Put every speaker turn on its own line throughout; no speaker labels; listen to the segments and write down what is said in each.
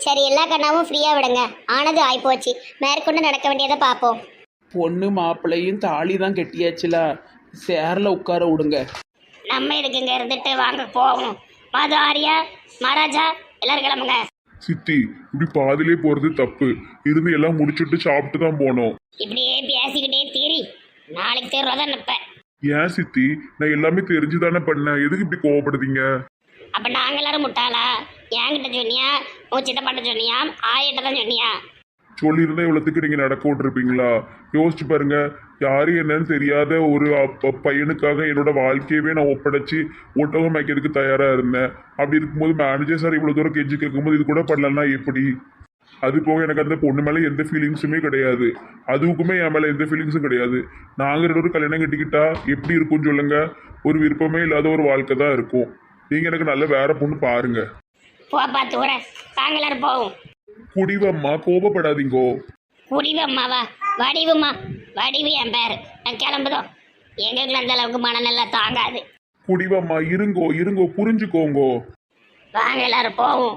சரி, எல்லா கண்ணாவும் ஃப்ரீயா விடுங்க. ஆனது ஆயிப்போச்சு, மேற்கொண்டு நடக்க வேண்டியதை பார்ப்போம்.
பொண்ணு மாப்பிள்ளையும் தாலி தான் கெட்டியாச்சுல, சேரில் உட்கார விடுங்க.
நம்ம இதுக்கு இங்க இருந்துட்டு வாங்க போவோம். மாது, ஆரியா, மகாராஜா, எல்லாரும் கிளம்புங்க.
சித்தி, இப்படி பாதிலே போறது தப்பு. இருந்து எல்லாம் முடிச்சுட்டு சாப்பிட்டு தான் போனோம்.
இப்படியே பேசிக்கிட்டே தீரி, நாளைக்கு தேர்வாதான் நிப்ப.
ஏன் சித்தி, நான் எல்லாமே தெரிஞ்சுதானே பண்ணேன். எதுக்கு இப்படி கோவப்படுதீங்க?
அப்ப நாங்க எல்லாரும் முட்டாளா? என்கிட்ட சொன்னியா, உன் சித்தப்பாட்ட சொன்னியா, ஆயிட்ட தான் சொன்னியா?
சொல்லியிருந்தா இவ்வளோத்துக்கு நீங்க நடக்க விட்டுருப்பீங்களா? யோசிச்சு பாருங்க. யாரு என்னன்னு தெரியாத ஒரு பையனுக்காக என்னோட வாழ்க்கையவே நான் ஒப்படைச்சு ஒட்டகம் வைக்கிறதுக்கு தயாரா இருந்தேன். அப்படி இருக்கும்போது மேனேஜர் சார் இவ்வளவு தூரம் கெஞ்சி கேட்கும்போது இது கூட பண்ணலன்னா எப்படி? அது போக எனக்கு அந்த பொண்ணு மேல எந்த ஃபீலிங்ஸுமே கிடையாது. அதுக்குமே என் மேல எந்த ஃபீலிங்ஸும் கிடையாது. நாங்க ரெண்டு பேரும் கல்யாணம் கட்டிக்கிட்டா எப்படி இருக்கும்னு சொல்லுங்க. ஒரு விருப்பமே இல்லாத ஒரு வாழ்க்கை தான் இருக்கும். நீங்க எனக்கு நல்ல வேற பொண்ணு பாருங்க.
போப்பா தூர, வாங்க எல்லாரும் போவோம்.
குடிவம்மா, கோபப்படாதீங்கோ.
குடிவம்மாவா? வடிவுமா? வடிவு என் பேரு. நான் கிளம்புதோம். எங்களுக்கு அந்த அளவுக்கு மனநெல்லாம் தாங்காது.
குடிவம்மா, இருங்கோ இருங்கோ, புரிஞ்சுக்கோங்கோ.
வாங்க எல்லாரும் போவோம்.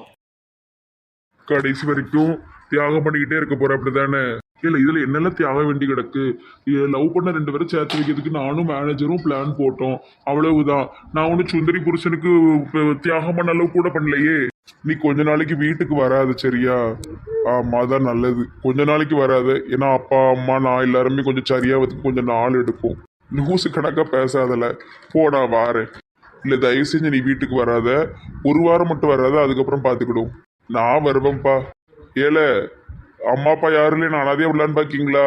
கடைசி வரைக்கும் தியாகம் பண்ணிக்கிட்டே இருக்க போற அப்படிதானே? இல்ல, இதுல என்னெல்லாம் தியாகம் வேண்டி கிடக்கு? லவ் பண்ண ரெண்டு பேரும் சேர்த்து வைக்கிறதுக்கு நானும் மேனேஜரும் பிளான் போட்டோம். அவ்வளவுதான். நான் ஒண்ணு சுந்தரி புருஷனுக்கு தியாகம் பண்ண அளவு கூட பண்ணலையே. நீ கொஞ்ச நாளைக்கு வீட்டுக்கு வராது, சரியா? ஆமா, அதான் நல்லது. கொஞ்ச நாளைக்கு வராது. ஏன்னா அப்பா அம்மா நான் எல்லாருமே கொஞ்சம் சரியாவதுக்கு கொஞ்சம் நாள் எடுக்கும். நியூஸ் கணக்கா பேசாதல. போடா வாரேன். இல்ல, தயவு செஞ்சு நீ வீட்டுக்கு வராத. ஒரு வாரம் மட்டும் வராத, அதுக்கப்புறம் பாத்துக்கிடும். நான் வருவேன்ப்பா. ஏல, அம்மா அப்பா யாரும் இல்லை, நான் அனாதையா விடலான்னு பாக்கீங்களா?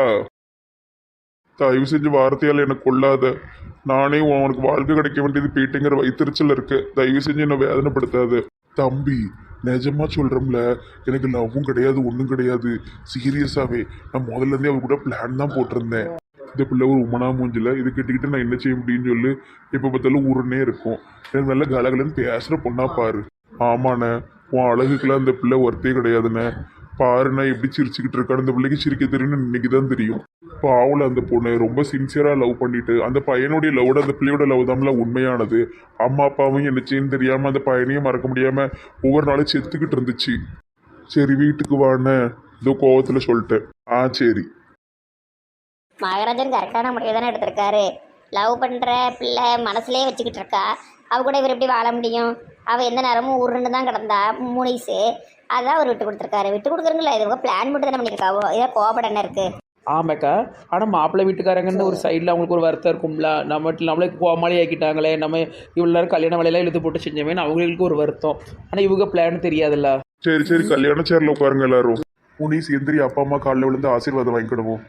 தயவு செஞ்சு வார்த்தையால் எனக்கு கொள்ளாத. நானே உனக்கு வாழ்க்கை கிடைக்க வேண்டியது போயிட்டுங்கிற வைத்தறிச்சல் இருக்கு. தயவு செஞ்சு என்னை வேதனைப்படுத்தாது. தம்பி, நிஜமா சொல்றோம்ல, எனக்கு லவ்வும் கிடையாது, ஒன்றும் கிடையாது. சீரியஸாவே நான் முதல்ல இருந்தே அவ கூட பிளான் தான் போட்டிருந்தேன். இந்த பிள்ளை ஒரு உமனா மூஞ்சில இது கிட்டக்கிட்ட நான் என்ன செய்ய முடியும்னு சொல்லி எப்போ பார்த்தாலும் ஊருன்னே இருக்கும். எனக்கு நல்ல கலகலன்னு பேசுற பொண்ணா பாரு. ஆமாண்ணே, உன் அழகுக்கெல்லாம் அந்த பிள்ளை ஒர்த்தே கிடையாதுண்ணே. பாருண்ணா எப்படி சிரிச்சுக்கிட்டு இருக்கான்னு. அந்த பிள்ளைக்கு சிரிக்க தெரியும்னு இன்னைக்கு தான் தெரியும். பாவல அந்த பொண்ணு ரொம்ப சின்சியரா லவ் பண்ணிட்டு, அந்த பையனுடைய லவோட அந்த பிள்ளையோட லவ் தான்ல உண்மையானது. அம்மா அப்பாவும் என்ன செய்யன்னு தெரியாம அந்த பையனையும் மறக்க முடியாம ஒவ்வொரு நாளும் செத்துக்கிட்டு இருந்துச்சு. சரி, வீட்டுக்கு வான்னு இதோ கோவத்துல சொல்லிட்டேன். சரி.
மகாராஜன் கரெக்டான முடிவு தானே எடுத்திருக்காரு. லவ் பண்ற பிள்ளை மனசுலயே வச்சுக்கிட்டு இருக்கா. அவ கூட இவர் எப்படி வாழ முடியும்? அவ எந்த நேரமும் உருண்டு தான் கிடந்தா முனிசு. அதான் அவர் விட்டு கொடுத்துருக்காரு. விட்டு கொடுக்குறீங்களா? இது உங்க பிளான் மட்டும் தானே பண்ணியிருக்காவோ. இதை கோபப்பட என்ன இருக்கு?
ஆமாக்கா, ஆனால் மாப்பிள்ளை வீட்டுக்காரங்கன்னு ஒரு சைடில் அவங்களுக்கு ஒரு வருத்தம் இருக்கும்ல. நம்மளே கோமாளி ஆக்கிட்டாங்களே, நம்ம இவ்வளோ நேரம் கல்யாண வேலையெல்லாம் இழுத்து போட்டு செஞ்சோமேனு அவங்களுக்கு ஒரு வருத்தம். ஆனால் இவங்க பிளான் தெரியாதுல்ல.
சரி சரி, கல்யாண சேர்ல உட்காருங்க எல்லாரும். முனிஸ் எந்திரி, அப்பா அம்மா காலில் விழுந்து ஆசீர்வாதம் வாங்கிக்கிடுவோம்.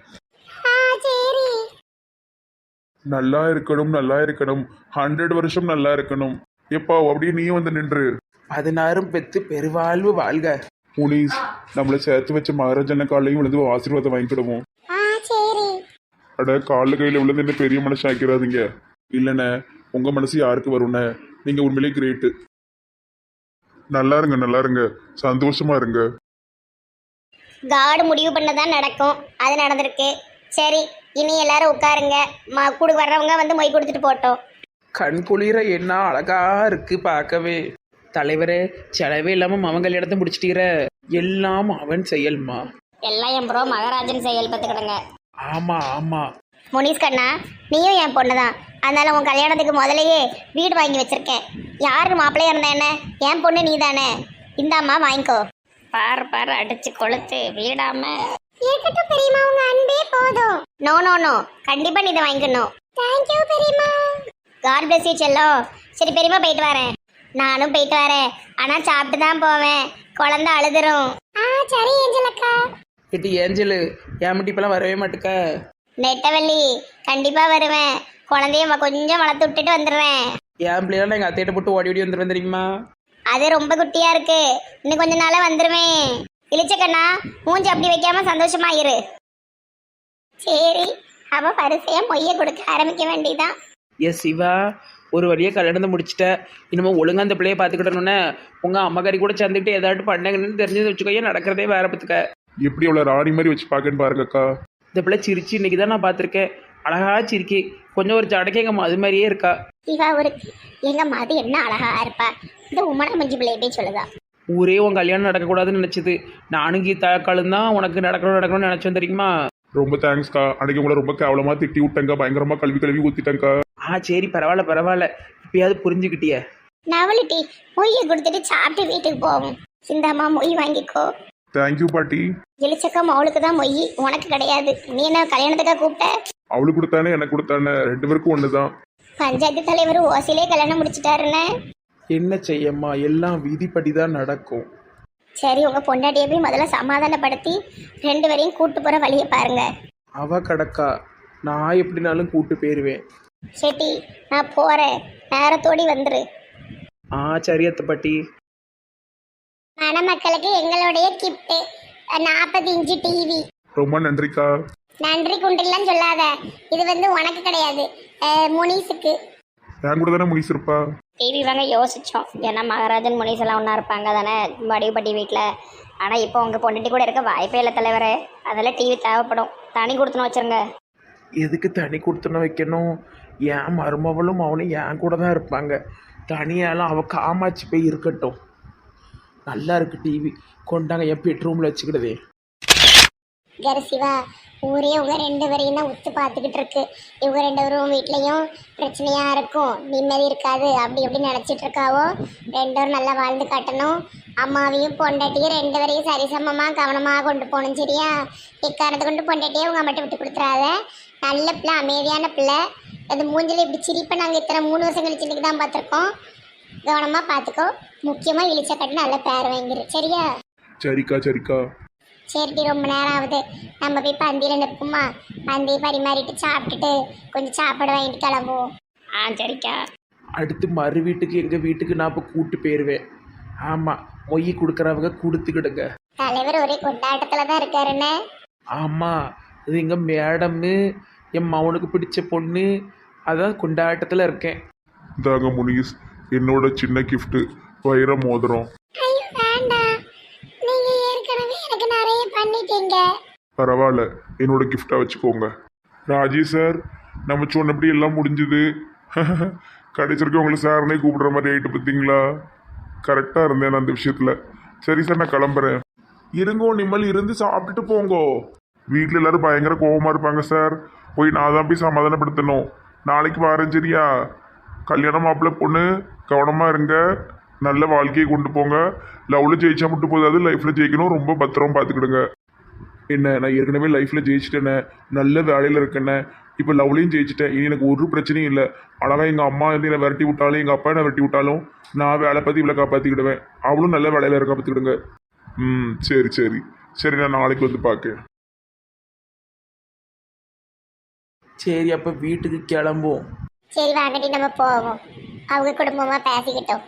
நல்லா இருக்கணும், நல்லா இருக்கணும். 100 வருஷம் நல்லா இருக்கணும். எப்பா அப்படியே நீயும் வந்து நின்று.
16 பெத்து பெருவாழ்வு வாழ்க.
முனிஸ், நம்மளை சேர்த்து வச்ச மகாராஜன காலையும் விழுந்து ஆசீர்வாதம் வாங்கிக்கிடுவோம். அட, காலில் கையில் விழுந்து என்ன பெரிய மனுஷன் ஆக்கிறாதீங்க. இல்லைண்ணே, உங்க மனசு யாருக்கு வரும்ண்ணே? நீங்க உண்மையிலே கிரேட்டு. நல்லா இருங்க, நல்லா இருங்க, சந்தோஷமா இருங்க.
காடு முடிவு பண்ணதான் நடக்கும். அது நடந்திருக்கு. சரி, இனி எல்லாரும் உட்காருங்க. கூட வர்றவங்க வந்து மொய் கொடுத்துட்டு போட்டோம்.
கண் குளிர என்ன அழகா இருக்கு பார்க்கவே. தலைவரே, செலவே இல்லாமல் அவன் கல்யாணத்தை முடிச்சிட்டீர. எல்லாம் அவன் செயல்மா.
எல்லாம் என் ப்ரோ மகாராஜன் செயல் பார்த்துக்கிடுங்க.
ஆமா ஆமா.
முனிஸ் கண்ணா, நீயும் என் பொண்ணு தான். அதனால உன் கல்யாணத்துக்கு முதலையே வீடு வாங்கி வச்சிருக்கேன். யாரு மாப்பிள்ளையா இருந்தா என்ன? என் பொண்ணு நீ தானே. இந்தாம்மா வாங்கிக்கோ. பாரு பாரு, அடிச்சு கொளுத்து வீடாம. இருக்கட்டும் பெரியம்மா, உங்க அன்பே போதும். நோ நோ நோ, கண்டிப்பா நீ இதை வாங்கிக்கணும். தேங்க் யூ பெரியம்மா. காட் பிளஸ் யூ செல்லம். சரி பெரியம்மா, போயிட்டு வரேன். நானும் போயிட்டு வரேன். ஆனா சாப்பிட்டு தான் போவேன். குழந்தை அழுதுரும். சரி ஏஞ்சல் அக்கா.
இது ஏஞ்சலு, ஏமட்டி இப்பெல்லாம் வரவே மாட்டுக்க.
நெட்டவள்ளி, கண்டிப்பா வருவேன். குழந்தைய கொஞ்சம் வளர்த்து விட்டுட்டு வந்துடுறேன்.
என் பிள்ளைலாம் எங்கள் அத்தையிட்ட போட்டு ஓடி ஓடி வந்துடுவேன் தெரியுமா?
அது ரொம்ப குட்டியா இருக்கு. இன்னும் கொஞ்ச நாள வந்துருவேன். இளிச்சக்கண்ணா, மூஞ்சி அப்படி வைக்காம சந்தோஷமா இரு. சரி, அவ பரிசையா மொய்ய கொடுக்க ஆரம்பிக்க வேண்டியதான்.
எஸ் சிவா, ஒரு வழியாக கல்யாணத்தை முடிச்சிட்ட. இனிமே ஒழுங்கா அந்த பிள்ளைய பார்த்துக்கிட்டணுன்னே உங்கள் அம்மாக்காரி கூட சேர்ந்துக்கிட்டு ஏதாட்டு பண்ணங்கன்னு தெரிஞ்சது வச்சுக்கோயே, நடக்கிறதே வேற பத்துக்க.
எப்படி அவ்வளோ ராணி மாதிரி வச்சு பார்க்கன்னு பாருங்கக்கா.
இந்த பிள்ளை சிரிச்சு இன்னைக்கு தான் நான் பார்த்துருக்கேன். அழகா சிரிக்கி, கொஞ்சம் ஒரு ஜடக்கே எங்கள் அது மாதிரியே இருக்கா.
இவா ஒரு எங்க மது என்ன அழகா இருப்பா. இந்த உமனா மஞ்சு பிள்ளை எப்படி சொல்லுதா?
ஊரே உன் கல்யாணம் நடக்கக்கூடாதுன்னு நினச்சிது. நானும் கீதாக்காலும் தான் உனக்கு நடக்கணும்னு நினச்சோம் தெரியுமா?
ரொம்ப தேங்க்ஸ்க்கா. அன்னைக்கு உங்களை ரொம்ப கேவலமாக திட்டி விட்டேங்க்கா, பயங்கரமாக கழுவி ஊற்றிட்டேங்க்கா.
சரி பரவாயில்ல இப்பயாவது புரிஞ்சுக்கிட்டிய.
நவலிட்டி மொய்யை கொடுத்துட்டு சாப்பிட்டு வீட்டுக்கு போவோம். சிந்தாமா மொய் வாங்கிக்கோ.
தேங்க்யூ பாட்டி.
எலிச்சக்கா அவளுக்கு தான் மொய், உனக்கு கிடையாது. நீ என்ன கல்யாணத்துக்கா கூப்பிட்ட?
அவளுக்கு கொடுத்தானே எனக்கு கொடுத்தானே, 2 பேருக்கும் ஒன்று தான்.
பஞ்சாயத்து தலைவர் ஓசிலே கல்யாணம் முடிச்சிட்டாருன்னு.
என்ன செய்யம்மா, எல்லாம் விதிப்படி தான் நடக்கும்.
சரி, உங்க பொண்டாட்டியை போய் முதல்ல சமாதானப்படுத்தி 2 பேரையும் கூட்டு போற வழியை பாருங்க.
அவ கடக்கா, நான் எப்படினாலும் கூட்டு போயிருவேன்.
செட்டி, நான் போறேன், நேரத்தோடி வந்துரு.
சரி அத்தை பாட்டி.
மணமக்களுக்கு எங்களுடைய கிஃப்ட் 40 இன்ச்சு டிவி.
ரொம்ப நன்றிக்கா.
நன்றி குண்டிலாம் சொல்லாத, இது வந்து உனக்கு கிடையாது, முனிஸுக்கு.
என் கூட தானே முடிச்சிருப்பா.
டிவி வாங்க யோசிச்சோம், ஏன்னா மகாராஜன் முனிஸ் எல்லாம் ஒன்றா இருப்பாங்க தானே வடிவுப்பட்டி வீட்டில். ஆனால் இப்போ உங்கள் பொண்டாட்டி கூட இருக்க வாய்ப்பே இல்லை தலைவரே. அதெல்லாம் டிவி தேவைப்படும், தனி கொடுத்துன்னு வச்சுருங்க.
எதுக்கு தனி கொடுத்துன வைக்கணும்? என் மருமவளும் அவனும் என் கூட தான் இருப்பாங்க. தனியாலாம் அவள் காமாட்சி போய் இருக்கட்டும். நல்லா இருக்கு டிவி, கொண்டாங்க என் பெட்ரூமில் வச்சுக்கிடுதே.
கரசிவா, ஊரே உங்க 2 பேரையும் தான் உத்து பார்த்துக்கிட்டு இருக்கு. இவங்க 2 பேரும் வீட்லேயும் பிரச்சனையா இருக்கும், நிம்மதி இருக்காது, அப்படி எப்படி நினச்சிட்டு இருக்காவோ. 2 பேரும் நல்லா வாழ்ந்து காட்டணும். அம்மாவையும் பொண்டாட்டியும் 2 பேரையும் சரிசமமாக கவனமாக கொண்டு போகணும். சரியா? இக்காரணத்தை கொண்டு பொண்டாட்டியே உங்க மட்டும் விட்டு கொடுத்துறாத. நல்ல பிள்ளை, அமைதியான பிள்ளை. அது மூஞ்சில் இப்படி சிரிப்பை நாங்கள் இத்தனை 3 வருஷம் கழிச்சு இன்னைக்கு தான் பார்த்துருக்கோம். கவனமாக பார்த்துக்கோ. முக்கியமாக இழிச்ச கட்டு நல்ல பேர் வாங்கிரு. சரியா?
சரிக்கா.
சரிடி, ரொம்ப நேரம் ஆகுது, நம்ம போய் பந்தியில் நிற்போமா? பந்தியை பரிமாறிட்டு சாப்பிட்டுட்டு கொஞ்சம் சாப்பாடு வாங்கிட்டு கிளம்புவோம். சரிக்கா.
அடுத்து மறு வீட்டுக்கு எங்கள் வீட்டுக்கு நான் இப்போ கூட்டு போயிடுவேன். ஆமாம், மொய் கொடுக்குறவங்க கொடுத்துக்கிடுங்க.
தலைவர் ஒரே கொண்டாட்டத்தில் தான் இருக்காருன்னு.
ஆமாம், இது எங்கள் மேடம்மு, என் மவனுக்கு பிடிச்ச பொண்ணு, அதான் கொண்டாட்டத்தில் இருக்கேன்.
இதாங்க முனிஸ், என்னோட சின்ன கிஃப்ட், வைர மோதிரம்.
ஐயோ வேண்டாம், நீங்க ஏற்கனவே எனக்கு நிறைய பண்ணிட்டீங்க.
பரவாயில்ல, என்னோட கிஃப்டாக வச்சுக்கோங்க. ராஜி சார், நம்ம சொன்னபடி எல்லாம் முடிஞ்சுது. கடைசிக்கு உங்களை சார்னே கூப்பிடுற மாதிரி ஆகிட்டு பார்த்தீங்களா? கரெக்டாக இருந்தேன் நான் அந்த விஷயத்தில். சரி சார், நான் கிளம்புறேன். இருங்கோ, நிம்மல் இருந்து சாப்பிட்டுட்டு போங்கோ. வீட்டில் எல்லாரும் பயங்கர கோபமாக இருப்பாங்க சார். போய் நான் தான் போய் சமாதானப்படுத்தணும். நாளைக்கு வரேன். சரியா? கல்யாணம் மாப்பிள்ளை பொண்ணு கவனமாக இருங்க, நல்ல வாழ்க்கையை கொண்டு போங்க. லவ்வில் ஜெயிச்சா மட்டும் போதாது, லைஃப்பில் ஜெயிக்கணும். ரொம்ப பத்திரமா பார்த்துக்கிடுங்க. என்ன, நான் ஏற்கனவே லைஃப்பில் ஜெயிச்சிட்டேனே, நல்ல வேலையில் இருக்கேனே, இப்போ லவ்லையும் ஜெயிச்சிட்டேன். இனி எனக்கு ஒரு பிரச்சனையும் இல்லை. அழகாக எங்கள் அம்மா வந்து என்னை விரட்டி விட்டாலும், எங்கள் அப்பா என்னை விரட்டி விட்டாலும், நான் வேலை பற்றி இவ்வளோ காப்பாற்றிக்கிடுவேன். அவளும் நல்ல வேலையில் இருக்க பார்த்துக்கிடுங்க. சரி, நான் நாளைக்கு வந்து பார்க்கேன்.
சரி, அப்போ வீட்டுக்கு கிளம்புவோம்.
சரி வாங்கடி, நம்ம போவோம். அவங்க குடும்பமாக பேசிக்கிட்டோம்.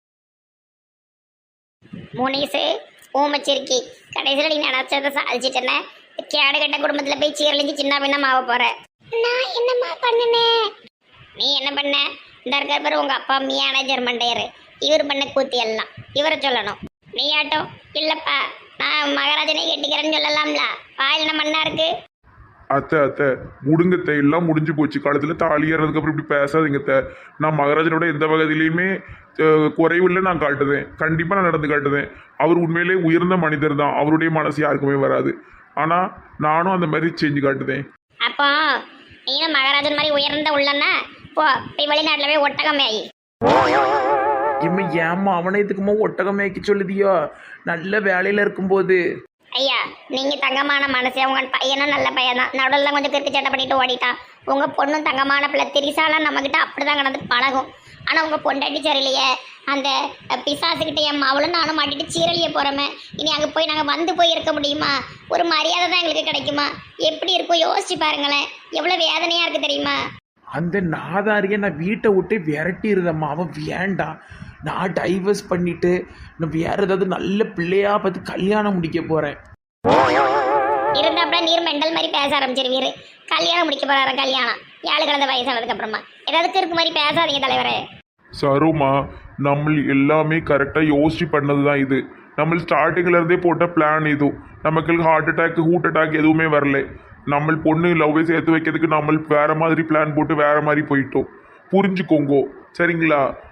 முனிசு ஊமச்சிருக்கி, கடைசியில் நீ நினச்சதை சாதிச்சிட்டேன்னு கேடு கட்ட குடும்பத்தில் போய் சீரழிஞ்சு சின்ன பின்னம் ஆக போற. நான் என்னம்மா பண்ணினேன்? நீ என்ன பண்ண? இந்த இருக்கிற பேர் உங்கள் அப்பா மேனேஜர் மண்டையர், இவர் பண்ண கூத்தி எல்லாம் இவரை சொல்லணும். நீ ஆட்டம் இல்லைப்பா, நான் மகாராஜனை கெட்டிக்கிறேன்னு சொல்லலாம்ல. வாயில் மண்ணா இருக்கு.
அத்தை முடுங்கத்தை எல்லாம் முடிஞ்சு போச்சு. காலத்தில் தாலி ஏறதுக்கு அப்புறம் இப்படி பேசாதீங்க. நான் மகாராஜனோட எந்த வகையிலையுமே குறைவில்லை நான் காட்டுவேன். கண்டிப்பாக நான் நடந்து காட்டுவேன். அவர் உண்மையிலே உயர்ந்த மனிதர் தான். அவருடைய மனசு யாருக்குமே வராது. ஆனால் நானும் அந்த மாதிரி செஞ்சு காட்டுவேன்.
அப்போ நீனும் மகாராஜன் மாதிரி உயர்ந்த உள்ளன்னா போ, போய் வெளிநாட்டில் போய் ஒட்டகம் மேயி.
இம்மா ஏம்மா அவனை இதுக்குமா ஒட்டகம் மேய்க்க சொல்லுதியோ? நல்ல வேலையில் இருக்கும்போது.
ஐயா, நீங்க தங்கமான மனசே. உங்க பையனும் நல்ல பையன் தான், நடுவில் கொஞ்சம் கிறுக்கு சட்டை பண்ணிட்டு ஓடிட்டான். உங்க பொண்ணும் தங்கமான பிள்ளை. திரிசாலாம் நம்மகிட்ட அப்படிதான் கடந்து பழகும். ஆனா உங்க பொண்டாட்டி சரியில்லையே, அந்த பிசாசுக்கிட்ட என் மாவளும் நானும் மாட்டிட்டு சீரழிய போறோமே. இனி அங்கே போய் நாங்கள் வந்து போய் இருக்க முடியுமா? ஒரு மரியாதை தான் எங்களுக்கு கிடைக்குமா? எப்படி இருக்கும் யோசிச்சு பாருங்களேன். எவ்வளோ வேதனையா இருக்கு தெரியுமா?
அந்த நாதாரியை நான் வீட்டை விட்டு விரட்டிடுதம்மா. அவன் வேண்டாம், நான் டைவர்ஸ் பண்ணிட்டு நான் வேற ஏதாவது நல்ல பிள்ளையா பார்த்து கல்யாணம் முடிக்க போறேன்.
இருந்தாப்பட நீர் மெண்டல் மாதிரி பேச ஆரம்பிச்சிருவீரு. கல்யாணம் முடிக்க போறாரு. கல்யாணம் 7 கடந்த வயசானதுக்கு அப்புறமா ஏதாவது இருக்கு மாதிரி பேசாதீங்க தலைவரே.
சருமா, நம்ம எல்லாமே கரெக்டாக யோசிச்சு பண்ணது தான் இது. நம்ம ஸ்டார்டிங்கில் இருந்தே போட்ட பிளான் இது. நமக்கு ஹார்ட் அட்டாக் எதுவுமே வரல. நம்ம பொண்ணு லவ்வே சேர்த்து வைக்கிறதுக்கு நம்ம வேற மாதிரி பிளான் போட்டு வேற மாதிரி போயிட்டோம். புரிஞ்சுக்கோங்கோ சரிங்களா?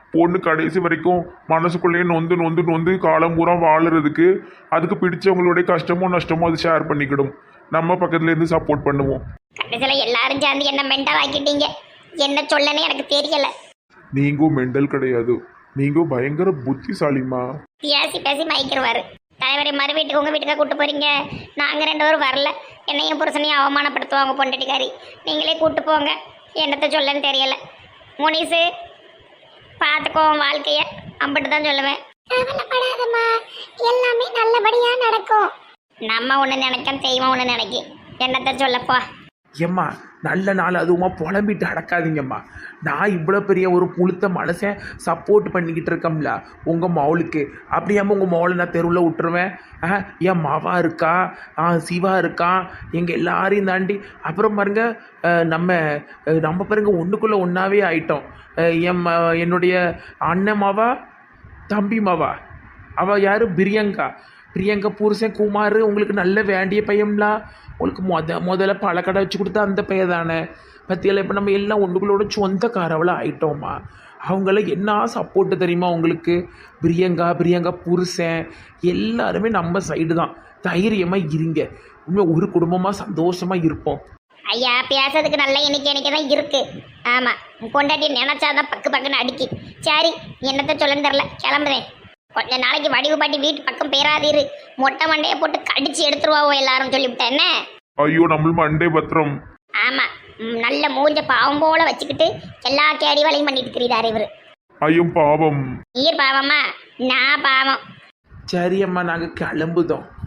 பொண்ணு கடைசி வரைக்கும் மனசுக்குள்ளேயே நொந்து நொந்து நொந்து காலம் பூரா வாழுறதுக்கு அதுக்கு பிடிச்சவங்களுடைய கஷ்டமோ நஷ்டமோ அது ஷேர் பண்ணிக்கிடும். நம்ம பக்கத்துல இருந்து சப்போர்ட் பண்ணுவோம்.
கடைசியில் எல்லாரும் சேர்ந்து என்ன மென்டல் ஆக்கிட்டீங்க. என்ன சொல்லன்னு எனக்கு தெரியல.
நீங்க மெண்டல் கிடையாது, நீங்க பயங்கர புத்திசாலிமா.
பேசி பேசி மயக்கிடுவாரு. தலைவரை மறு வீட்டுக்கு உங்கள் வீட்டுக்காக கூட்டு போகிறீங்க. நாங்கள் 2 பேரும் வரல. என்னையும் புருஷனையும் அவமானப்படுத்துவாங்க பொண்டாட்டிக்காரி. நீங்களே கூட்டு போங்க. என்னத்தை சொல்லன்னு தெரியல. முனிசு பார்த்துக்கோ வாழ்க்கைய. அம்பிட்டு தான் சொல்லுவேன். கவலைப்படாதம்மா, எல்லாமே நல்லபடியா நடக்கும். நம்ம ஒன்று நினைக்க தெய்வம் ஒன்று நினைக்கி. என்னத்தை சொல்லப்பா.
ஏம்மா நல்ல நாள் அதுவுமா புலம்பிட்டு அடக்காதீங்கம்மா. நான் இவ்வளோ பெரிய ஒரு புளுத்த மனுஷன் சப்போர்ட் பண்ணிக்கிட்டு இருக்கோம்ல உங்கள் மவுளுக்கு. அப்படியாமல் உங்கள் மவுளை நான் தெருவில் விட்டுருவேன்? என் மாவா இருக்கா, சிவா இருக்கா, எங்கள் எல்லாரையும் தாண்டி. அப்புறம் பாருங்க நம்ம பாருங்க ஒன்றுக்குள்ளே ஒன்றாவே ஆயிட்டோம். என்னுடைய அண்ணன் மாவா, தம்பி மாவா, அவள் யார், பிரியங்கா புருஷன் குமார். உங்களுக்கு நல்ல வேண்டிய பையன்லா. உங்களுக்கு முதல்ல பழக்கடை வச்சு கொடுத்தா அந்த பையன் தானே பற்றியெல்லாம். இப்போ நம்ம எல்லாம் ஒன்றுகளோட சொந்தக்காரவளாக ஆயிட்டோம்மா. அவங்கள என்ன சப்போர்ட்டு தெரியுமா உங்களுக்கு? பிரியங்கா புருஷன் எல்லாருமே நம்ம சைடு தான். தைரியமாக இருங்க. உண்மையாக ஒரு குடும்பமாக சந்தோஷமாக இருப்போம்.
ஐயா பேசுறதுக்கு நல்ல எண்ணிக்கை தான் இருக்கு. ஆமாம், பொண்டாட்டி நினைச்சாதான் பக்கு பக்குன்னு அடிக்கி. சரி, என்னத்தை சொல்லன்னு தெரில, கிளம்புதேன். கொஞ்ச நாளைக்கு வடிவு பாட்டி வீட்டு பக்கம் பேராதீரு. மொட்டை மண்டையை போட்டு கடிச்சு எடுத்துருவாவோ எல்லாரும் சொல்லிவிட்டேன். என்ன
ஐயோ, நம்ம மண்டே பத்திரம்.
ஆமா, நல்ல மூஞ்ச பாவம் போல வச்சுக்கிட்டு எல்லா கேடி வேலையும் பண்ணிட்டு இருக்கிறாரு இவரு.
ஐயோ பாவம்.
நீர் பாவமா, நான் பாவம்.
சரி அம்மா, நாங்கள் கிளம்புதோம்.